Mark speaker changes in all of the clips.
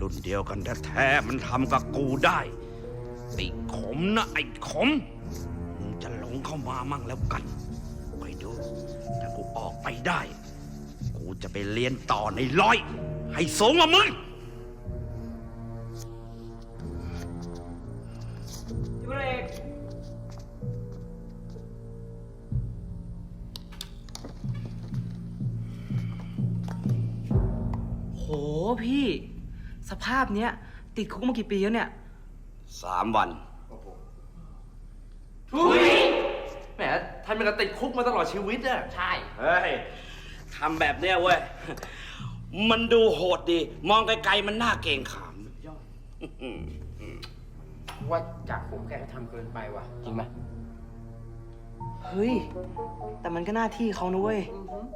Speaker 1: รุ่นเดียวกันแท้ๆมันทำกับกูได้ไอ้ขมนะไอ้ขมมึงจะหลงเข้ามามั่งแล้วกันคอยดูถ้ากูออกไปได้กูจะไปเรียนต่อในร้อยให้สูงกว่ามึง
Speaker 2: พี่พลเอกโหพี่สภาพเนี้ยติดคุกมากี่ปีแล้วเนี่ย
Speaker 1: 3 วัน
Speaker 3: ทุยแหมท่านเป็นการติดคุกมาตลอดชีวิตอะใช่
Speaker 1: เฮ้ยทำแบบเนี้ยเว้ยมันดูโหดดีมองไกลๆมันน่าเกรงขาม
Speaker 4: ว่าจากผมแกก็ทำเกินไปว่ะจริงไหม
Speaker 2: เฮ้ยแต่มันก็หน้าที่เขานะเว้ย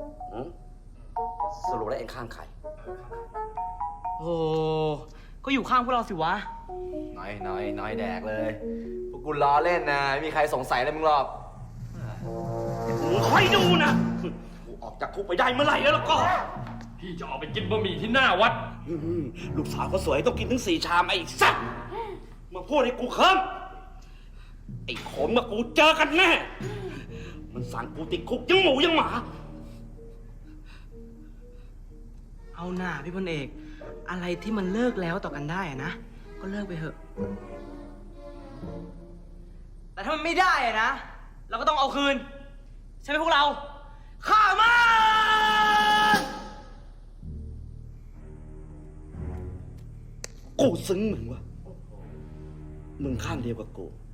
Speaker 1: สรุปแล้วเองข้างใคร
Speaker 2: โอ้ก็อยู่ข้างพวกเราสิวะ
Speaker 3: น้อยแดกเลยพวกกูล้อเล่นนะไม่มีใครสงสัยเลยมึงหรอก
Speaker 1: มึงคอยดูนะกูออกจากคุกไปได้เมื่อไหร่แล้วก็
Speaker 5: พี่จะออกไปกินบะหมี่ที่หน้าวัด
Speaker 1: ลูกสาวก็สวยต้องกินถึง4 ชามไอ้สัตว์มาพูดให้กูเคิมไอ้ขมกับกูเจอกันแน่มันสั่งกูติดคุกยังหมูยังหมา
Speaker 2: เอาหน่าพี่พลเอกอะไรที่มันเลิกแล้วต่อกันได้อะนะก็เลิกไปเถอะ แต่ถ้ามันไม่ได้อะนะเราก็ต้องเอาคืนใช่ไหมพวกเราฆ่ามัน
Speaker 1: กูซึ้งมึงวะมึงข้างเดียวกับกู